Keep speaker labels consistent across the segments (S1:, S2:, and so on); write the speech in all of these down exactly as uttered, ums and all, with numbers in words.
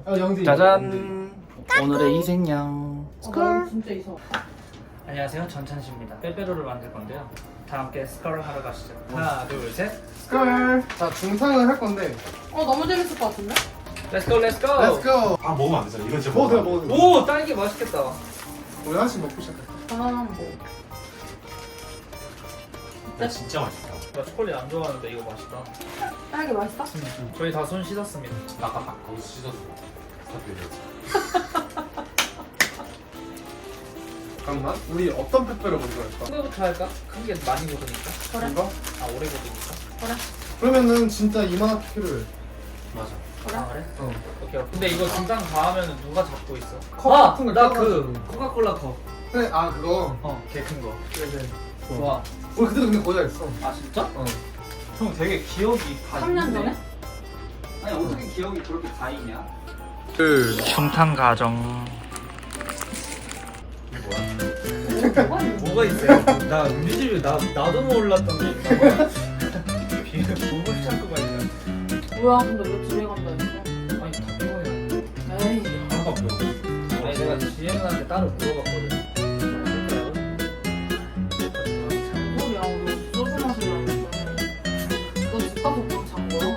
S1: 아, 영지.
S2: 짜잔. 오늘의 희생양.
S3: 스컬. 진짜 이상.
S2: 안녕하세요, 전찬씨입니다. 빼빼로를 만들 건데요. 다 함께 스컬 하러 가시죠. 하나, 둘, 셋.
S1: 스컬. 자, 중상을 할 건데.
S3: 어 너무 재밌을 것 같은데?
S2: Let's go, let's go.
S1: Let's go.
S4: 아 먹으면 안 되잖아. 이건 진짜
S1: 먹어도 돼요,
S4: 먹으면
S1: 먹어도 돼요.
S2: 오, 딸기 맛있겠다.
S1: 우리 하나씩 먹고 시작할까?
S3: 바나나 먹어.
S4: 안 돼. 야, 진짜 맛있다.
S2: 나 초콜릿 안 좋아하는데 이거 맛있다.
S3: 딸기 맛있다?
S2: 저희 다 손 씻었습니다.
S4: 나 아까 딱 거기서 씻었어. 스타필드.
S1: 잠깐만. 우리 어떤 페페로 먼저 할까?
S2: 큰 거부터 할까? 큰 게 많이 고르니까.
S3: 그래.
S1: 이거?
S2: 아, 오래 고르니까.
S3: 그래.
S1: 그러면은 진짜 이만하게 필요해.
S4: 맞아.
S3: 그래.
S2: 아, 그래?
S1: 어.
S2: 오케이. 근데 이거 중상 다 하면은 누가 잡고 있어?
S1: 컵
S2: 아,
S1: 같은 걸
S2: 나
S1: 껴가지고.
S2: 그 코카콜라 컵.
S1: 그래, 아, 그거.
S2: 어, 개 큰 거.
S1: 그래, 그래.
S2: 좋아.
S1: 우리 그때도 근데 거의 다 했어.
S2: 아, 진짜?
S1: 어.
S2: 형 되게 기억이 다
S3: 삼 년
S2: 있네.
S3: 전에?
S2: 아니, 어떻게 기억이 그렇게 다 있냐?
S1: 그.
S2: 중탕 가정.
S4: 이게 뭐야?
S3: 뭐가 있는
S2: 뭐가 있어요? 나 우리 집에 나 나도 몰랐던 게 있나 봐. 비밀 보물 창고가 있네.
S3: 뭐야 근데 왜 집에 간다 했어?
S2: 아니 다 비워야.
S3: 에이.
S4: 하나도 없고.
S2: 아니 내가 지혜누나한테 따로 물어봤거든.
S3: 뭔 소리야 우리 소주 마시려고 너집 가서 그냥 잔 거야?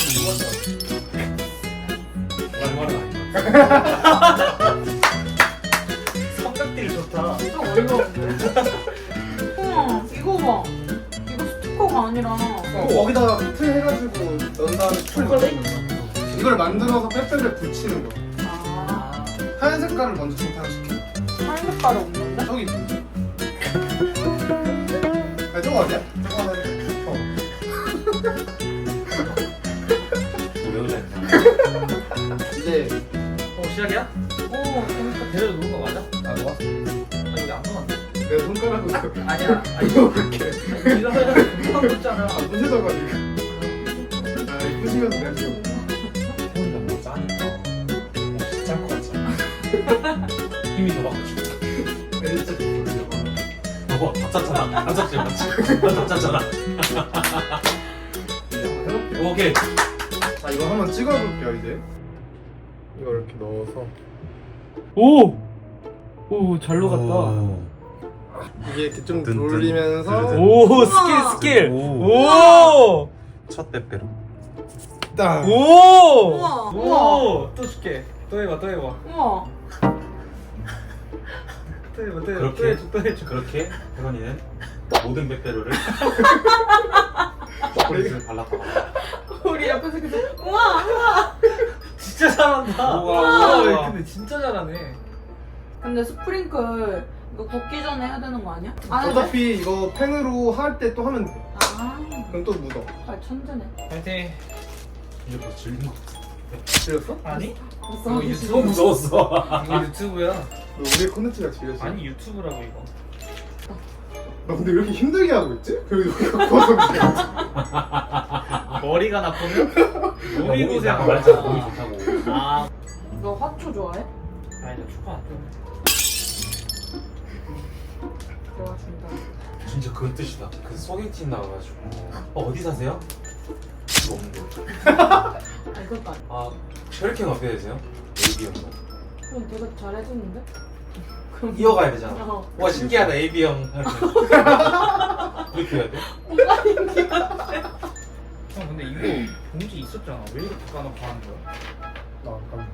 S4: 말은 아니다.
S2: 성격들이 좋다.
S3: 진짜 어이가 없네. 우와 이거 봐. 이거 스티커가 아니라
S1: 어, 거기다가 틀 해가지고 넣은 다음에 풀
S2: 초콜릿?
S1: 넣는 이걸 만들어서 빼빼를 붙이는 거야.
S3: 아
S1: 하얀 색깔을 먼저 중탕시켜.
S3: 한 색깔이 없는데?
S1: 저기 있지. 아, 저거 어디야? 저거 하나 어.
S4: 왜 그래?
S1: 이제
S2: 어 시작이야?
S3: 오 재밌다.
S2: 대로 놓은 거 맞아?
S1: 아, 뭐?
S2: 아 여기 안 넣었는데?
S1: 내 손가락으로 이렇게.
S2: 아니야. 아니
S1: 이거 그렇게.
S2: 이러면 금방 붙잖아.
S1: 아, 부셔져가지고. 아, 부시면서 내줘.
S4: 형이가 뭐 짜니까. 진짜 것 같잖아. 힘이 더 받고 싶어.
S1: 진짜 부셔져.
S4: 봐봐, 다 짰잖아. 다 짰지, 맞지? 다 짰잖아.
S1: 해볼게요.
S4: 오케이.
S1: 자, 이거 한번 찍어볼게요, 이제. 이거 이렇게 넣어서.
S2: 오! 오, 잘 녹았다.
S1: 이게 이렇게 좀
S4: 든, 든,
S1: 돌리면서.
S4: 든,
S2: 오,
S3: 스킬,
S2: 스킬!
S4: 오.
S2: 오!
S4: 첫 빼빼로.
S1: 딱.
S2: 오!
S3: 우와,
S2: 오! 또 줄게. 또 해봐, 또 해봐.
S3: 우와
S2: 또 해봐, 또 해봐. 또
S4: 그렇게
S2: 해줘, 또 해줘.
S4: 그렇게 혜건이는 모든 빼빼로를 초콜릿을 발랐다가
S3: 우리 옆에서 계속 우와 우와.
S2: 진짜 잘한다.
S4: 우와,
S2: 우와,
S4: 우와.
S2: 근데 진짜 잘하네.
S3: 근데 스프링클 이거 굽기 전에 해야 되는 거 아니야? 안 해도 돼?
S1: 어차피 이거 펜으로 할 때 또 하면 돼.
S3: 아
S1: 그럼 또 묻어.
S3: 아, 천재네.
S2: 파이팅.
S4: 이제 벌써 질린 것 같아.
S1: 질렸어?
S2: 아니?
S3: 벌써
S2: 이거
S3: 하기
S2: 유튜브
S3: 싫어.
S4: 무서웠어.
S2: 이거 유튜브야.
S1: 너 우리의 콘텐츠가 질렸어?
S2: 아니 유튜브라고 이거.
S1: 나 근데 왜 이렇게 힘들게 하고 있지? 그리고 여기가 커서 그래.
S2: 머리가 나쁘면 몸이
S4: 몸이
S2: 고생하고
S4: 말했잖아. 몸이 좋다고.
S2: 아,
S3: 너 화초 좋아해?
S2: 아니 나 초코 안 좋아해.
S3: 내가 준다.
S4: 진짜 그 뜻이다. 그 소개팅 나와가지고 어, 어디 사세요? 이거 없는 거.
S3: 아 이것도 아니야.
S4: 아 혈액형 어떻게 되세요? 에이비형.
S3: 그럼 되게 잘해주는데? 그럼
S4: 이어가야 되잖아.
S3: 어.
S4: 와 신기하다 에이비형. 이렇게 해야 돼?
S2: 형 근데 이거 봉지 있었잖아. 왜 이렇게 까놓고 하는 거야?
S1: 나 잠깐만.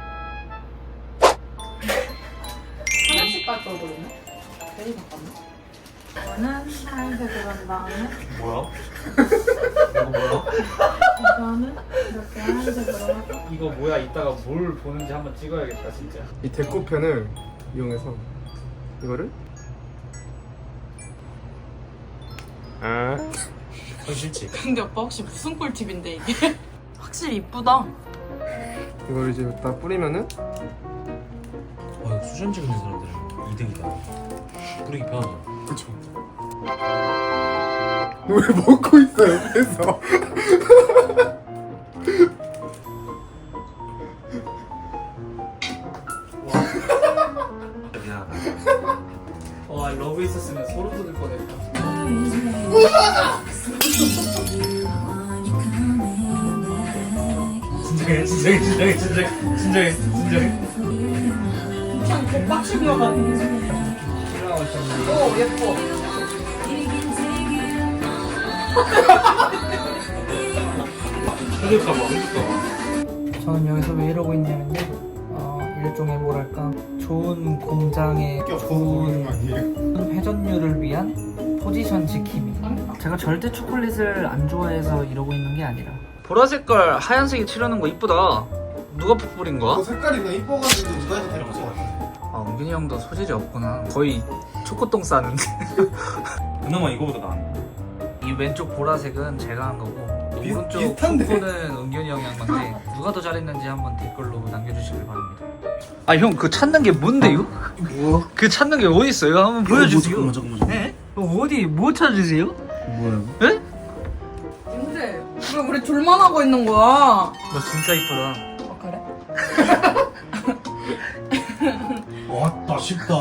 S3: 하나씩 깔 걸 그러네? 괜히 바꿨네? 이거는 하얀색으로 한 다음에
S4: 뭐야? 이거 뭐야?
S3: 이거는 이렇게 하얀색으로 하고
S2: 이거 뭐야? 이따가 뭘 보는지 한번 찍어야겠다 진짜.
S1: 이 데코펜을 이용해서 이거를 아
S4: 형 싫지?
S3: 근데 오빠 혹시 무슨 꿀팁인데 이게? 확실히 이쁘다.
S1: 이걸 이제 여기다 뿌리면은
S4: 와 수전 찍는 사람들은 이득이다. 뿌리기 편하잖아.
S1: 그쵸. 너 왜 먹고 있어 옆에서?
S4: 미안하다.
S2: 와 러브 있었으면 소름 돋을 뻔했다.
S4: 진짜 진정해 진정해 진정해 진정해 진정해 진정해.
S3: 그냥 개빡치기여가지고. 오 예뻐.
S4: 해줄까봐 해줄까봐.
S2: 저는 여기서 왜 이러고 있냐면요. 어, 일종의 뭐랄까 좋은 공장의
S1: 껴서
S2: 좋은
S1: 보이는 거 아니에요?
S2: 회전율을 위한 포지션 지킴이. 제가 절대 초콜릿을 안 좋아해서 이러고 있는 게 아니라. 보라색깔 하얀색이 칠하는 거 이쁘다. 누가 뿌린
S1: 그 색깔이 그냥 이뻐가지고 누가 해도 될 것 같아.
S2: 아, 은균이 형도 소질이 없구나. 거의 초코똥 싸는데.
S4: 그나마 이거보다 나은.
S2: 이 왼쪽 보라색은 제가 한 거고
S1: 비-
S2: 오른쪽
S1: 비슷한데?
S2: 초코는 은균이 형이 한 건데 누가 더 잘했는지 한번 댓글로 남겨주시길 바랍니다. 아 형 그 찾는 게 뭔데요?
S1: 뭐야?
S2: 그 찾는 게 어디 있어요? 한번 보여주세요.
S4: 잠깐만 잠깐만.
S2: 네? 어, 어디 뭐 찾으세요?
S4: 뭐야?
S2: 네?
S3: 근데 왜 우리 둘만 하고 있는 거야?
S2: 너 진짜 이쁘다.
S3: 어 그래?
S4: 왔다 쉽다.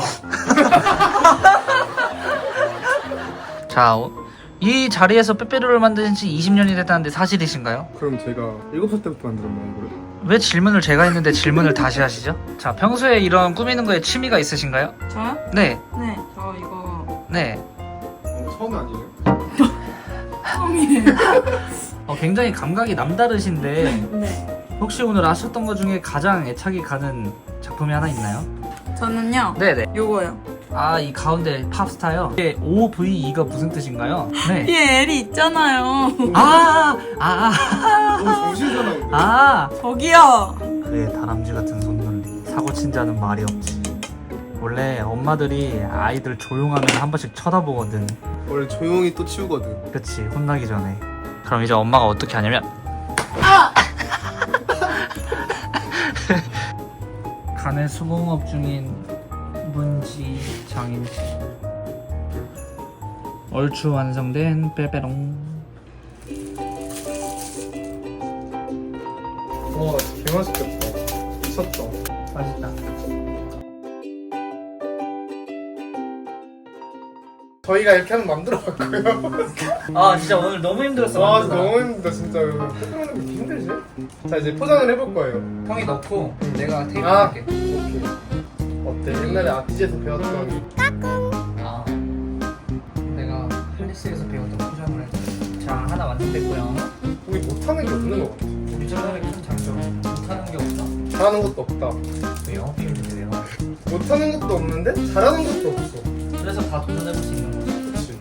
S2: 자, 어, 이 자리에서 빼빼로를 만드신 지 이십 년이 됐다는데 사실이신가요?
S1: 그럼 제가 일곱 살 때부터 만들었나요 이거를?
S2: 왜 질문을 제가 했는데 질문을 다시 하시죠? 자, 평소에 이런 꾸미는 거에 취미가 있으신가요?
S3: 저요?
S2: 네,
S3: 네. 저 이거
S2: 네.
S1: 어, 처음 아니에요?
S3: 처음이에요.
S2: 어, 굉장히 감각이 남다르신데
S3: 네.
S2: 혹시 오늘 하셨던 것 중에 가장 애착이 가는 작품이 하나 있나요?
S3: 저는요.
S2: 네네.
S3: 요거요.
S2: 아, 이 가운데 팝스타요? 이게 오 브이 이가 무슨 뜻인가요? 네.
S3: 뒤에 L이 있잖아요.
S2: 아, 아, 아,
S1: 너무 정신사나운데?
S2: 아.
S3: 저기요.
S2: 그의 다람쥐 같은 손놀림. 사고 친 자는 말이 없지. 원래 엄마들이 아이들 조용하면 한 번씩 쳐다보거든.
S1: 원래 조용히 또 치우거든.
S2: 그치, 혼나기 전에. 그럼 이제 엄마가 어떻게 하냐면 간의 수공업 중인 문지 장인지 얼추 완성된 빼빼롱.
S1: 와 개맛있겠다. 미쳤다.
S2: 맛있다.
S1: 저희가 이렇게 한번 만들어봤고요.
S2: 아 진짜 오늘 너무 힘들었어.
S1: 와
S2: 만드느라.
S1: 너무 힘들다 진짜. 포장하는 게 힘들지? 자 이제 포장을 해볼 거예요.
S2: 형이 넣고 내가 테이프
S1: 아.
S2: 할게.
S1: 오케이. 어때? 옛날에 아티즈에서 배웠던
S2: 아, 내가 할리스에서 배웠던 포장을 할 거야. 자, 하나 완성됐고요.
S1: 우리 못하는 게 없는 것 같아.
S2: 우리 저번에 큰 장점 못하는 게 없다.
S1: 잘하는 것도 없다.
S2: 왜 영업 비밀인데요?
S1: 못하는 것도 없는데 잘하는 것도 없어.
S2: 그래서 다 도전해볼 수 있는 거지.
S1: 그치.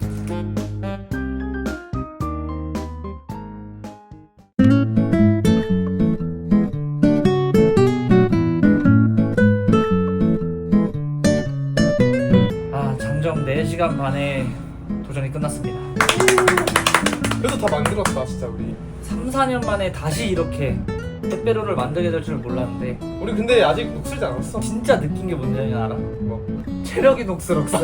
S2: 아, 장정 네 시간 반에 도전이 끝났습니다.
S1: 그래도 다 만들었다 진짜 우리.
S2: 삼, 사 년 만에 다시 이렇게 빼빼로를 만들게 될 줄 몰랐는데
S1: 우리 근데 아직 녹슬지 않았어.
S2: 진짜 느낀 게 뭔지 알아?
S1: 뭐.
S2: 체력이 녹슬었어.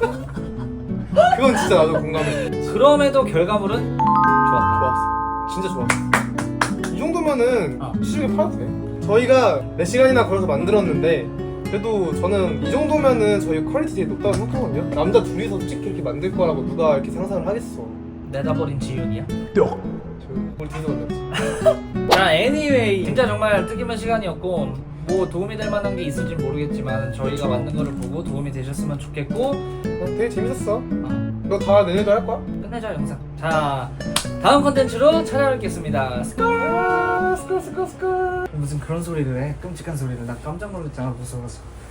S1: 그건 진짜 나도 공감해.
S2: 그럼에도 결과물은 좋았다.
S1: 좋았어. 진짜 좋았어. 이 정도면은
S2: 아.
S1: 시중에 팔아도 돼. 저희가 몇 시간이나 걸어서 만들었는데 그래도 저는 이 정도면은 저희 퀄리티 되게 높다고 생각하거든요. 남자 둘이서 솔직히 이렇게 만들 거라고 누가 이렇게 상상을 하겠어.
S2: 내다버린 지윤이야?
S1: 저 우리 둘이서 만들었어.
S2: 자, anyway 진짜 정말 뜻깊은 시간이었고 뭐 도움이 될 만한 게 있을지 모르겠지만 저희가 만든 거를 보고 도움이 되셨으면 좋겠고
S1: 어, 되게 재밌었어.
S2: 어,
S1: 너 다 내년도 할 거야?
S2: 끝내자 영상. 자, 다음 컨텐츠로 찾아뵙겠습니다. 스컬
S1: 스컬 스컬 스컬.
S2: 무슨 그런 소리를 해? 끔찍한 소리를. 나 깜짝 놀랐잖아, 무서워서.